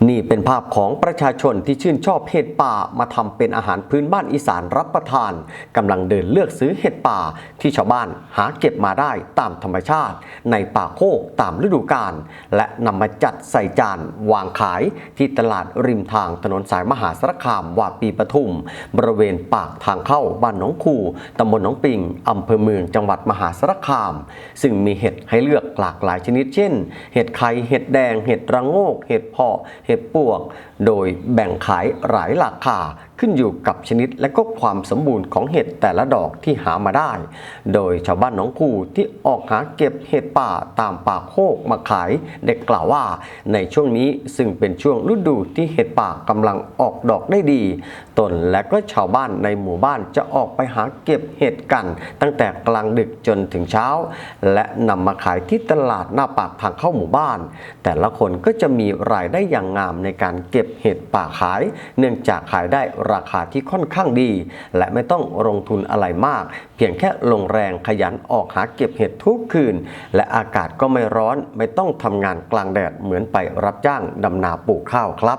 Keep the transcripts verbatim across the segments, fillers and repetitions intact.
นี่เป็นภาพของประชาชนที่ชื่นชอบเห็ดป่ามาทำเป็นอาหารพื้นบ้านอีสานรับประทานกำลังเดินเลือกซื้อเห็ดป่าที่ชาวบ้านหาเก็บมาได้ตามธรรมชาติในป่าโคกตามฤดูกาลและนำมาจัดใส่จานวางขายที่ตลาดริมทางถนนสายมหาสารคามวาปีปทุมบริเวณปากทางเข้าบ้านหนองคูตำบลหนองปิงอำเภอเมืองจังหวัดมหาสารคามซึ่งมีเห็ดให้เลือกหลากหลายชนิดเช่นเห็ดไข่เห็ดแดงเห็ดระโงกเห็ดเพาะเห็ดปวกโดยแบ่งขายหลายราคาขึ้นอยู่กับชนิดและก็ความสมบูรณ์ของเห็ดแต่ละดอกที่หามาได้โดยชาวบ้านหนองคูที่ออกหาเก็บเห็ดป่าตามป่าโคกมาขายได้กล่าวว่าในช่วงนี้ซึ่งเป็นช่วงฤดูที่เห็ดป่ากำลังออกดอกได้ดีตนและก็ชาวบ้านในหมู่บ้านจะออกไปหาเก็บเห็ดกันตั้งแต่กลางดึกจนถึงเช้าและนำมาขายที่ตลาดหน้าปากทางเข้าหมู่บ้านแต่ละคนก็จะมีรายได้อย่างงามในการเก็บเห็ดป่าขายเนื่องจากขายได้ราคาที่ค่อนข้างดีและไม่ต้องลงทุนอะไรมากเพียงแค่ลงแรงขยันออกหาเก็บเห็ดทุกคืนและอากาศก็ไม่ร้อนไม่ต้องทำงานกลางแดดเหมือนไปรับจ้างดำนาปลูกข้าวครับ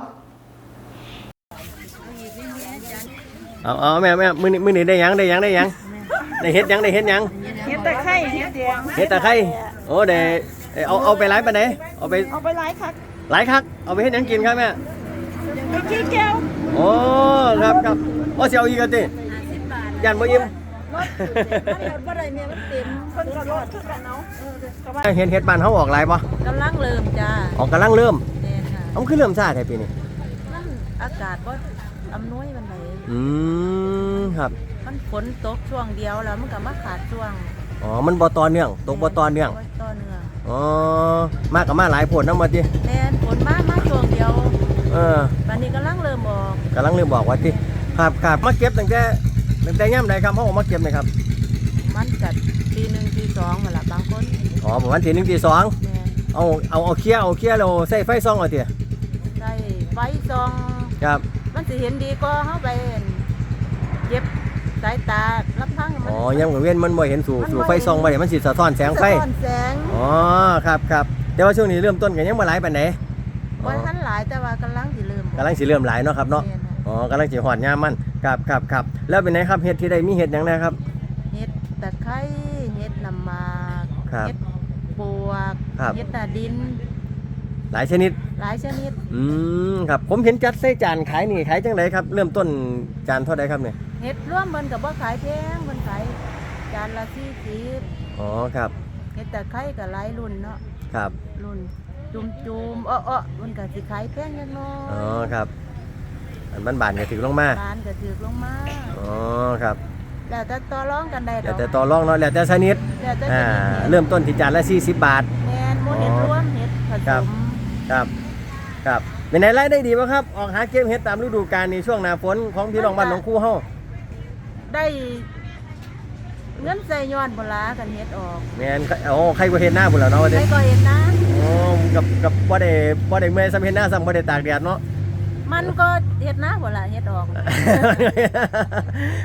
เอาเอาแม่แม่มือนี้มือนี้ได้ยังได้ยังได้ยังได้เห็ดยังได้เห็ดยังเห็ดตะไคร้เห็ดแดงเห็ดตะไคร้โอ้เด้เอาเอาไปไลฟ์ไปไหนเอาไปเอาไปไลฟ์คักไลฟ์คักเอาไปเห็ดยังกินครับแม่ไปขี้แก้วโอ้ครับครับโอ้เสียวอีกกันติยันบ่อิ่มบ่ได้เนี่ยมันเต็มเพิ่นก็รอดคือกันเนาะเห็ดเห็ดบ้านเฮาออกหลายบ่กำลังเริ่มจ้าออกกำลังเริ่มแน่ค่ะเอาคือเริ่มซ่าแท้ปีนี้มันอากาศบ่อำนวยมันไหนอืมครับมันฝนตกช่วงเดียวแล้วมันก็มาขาดช่วงอ๋อมันบ่ต่อเนื่องตกบ่ต่อเนื่องต่อเนื่องอ๋อมากับมาหลายผลนำบ่ติแน่ฝนมามาช่วงเดียวเออบัดนี้กำลังเริ่มออกกำลังเริ่มบอกว่าติครับครับมาเก็บตั้งแต่ตั้งแต่ยามใดครับเฮาออกมาเก็บนี่ครับมันก็ตีหนึ่งตีสองนั่นล่ะบางคนอ๋อประมาณตีหนึ่งตีสองแม่เอาเอาเอาเคลียร์เอาเคลียร์แล้วใส่ไฟส่องเอาติใส่ไฟส่องครับมันสิเห็นดีกว่าเฮาไปเก็บสายตาลำพังอ๋อยามกลางเว้นมันบ่เห็นสู่สู่ไฟส่องบ่ได้มันสิสะท้อนแสงไฟสะท้อนแสงอ๋อครับครับแต่ว่าช่วงนี้เริ่มต้นก็ยังบ่หลายปานใดบ่ทันหลายแต่ว่ากำลังสิเริ่มกำลังสิเริ่มหลายเนาะครับเนาะอ๋อกำลังสิฮอดยามมันครับครับครับแล้วเป็นไงครับเห็ดที่ได้มีเห็ดหยังนะครับเห็ดตะไคร้เห็ดน้ำหมากเห็ดปวกเห็ดตาดินหลายชนิดหลายชนิดอืมครับผมเห็นจัดใส่จานขายนี่ขายจังไดครับเริ่มต้นจานเท่าใดครับเนี่ยเห็ดร่วมมันกับว่าขายแพงมันขายจานละสี่สิบอ๋อครับเห็ดตะไคร้กับหลายรุ่นเนาะครับรุ่นจุ่มจุ่มอ้ออ้อมันก็สิขายแพงยังน้อยอ๋อครับอันบ้านบานก็ถือลงมาบานก็ถือลงมาอ๋อครับแล้วแต่ต่อรองกันได้แล้วแต่ต่อรองเนาะแล้วแต่ชนิดอ่าเริ่มต้นที่จานละสี่สิบบาทแม่นหมูเห็ดรวมเห็ดผสมครับครับเป็นไงรายได้ดีป่ะครับออกหาเก็บเห็ดตามฤดูกาลในช่วงหน้าฝนของพี่น้องบ้านหนองคูเฮาได้เงินใส่ย้อนบ่ล่ะกันเฮ็ดออกแม่นโอ้ใครก็เฮ็ดหน้าพุ่นแล้วเนาะว่าเด้ใครก็เฮ็ดนะโอ้กับกับบ่ได้บ่ได้เมื่อยซ้ำเฮ็ดหน้าซ้ำบ่ได้ตากแดดเนาะมันก็เฮ็ดนะบ่ล่ะเฮ็ดออก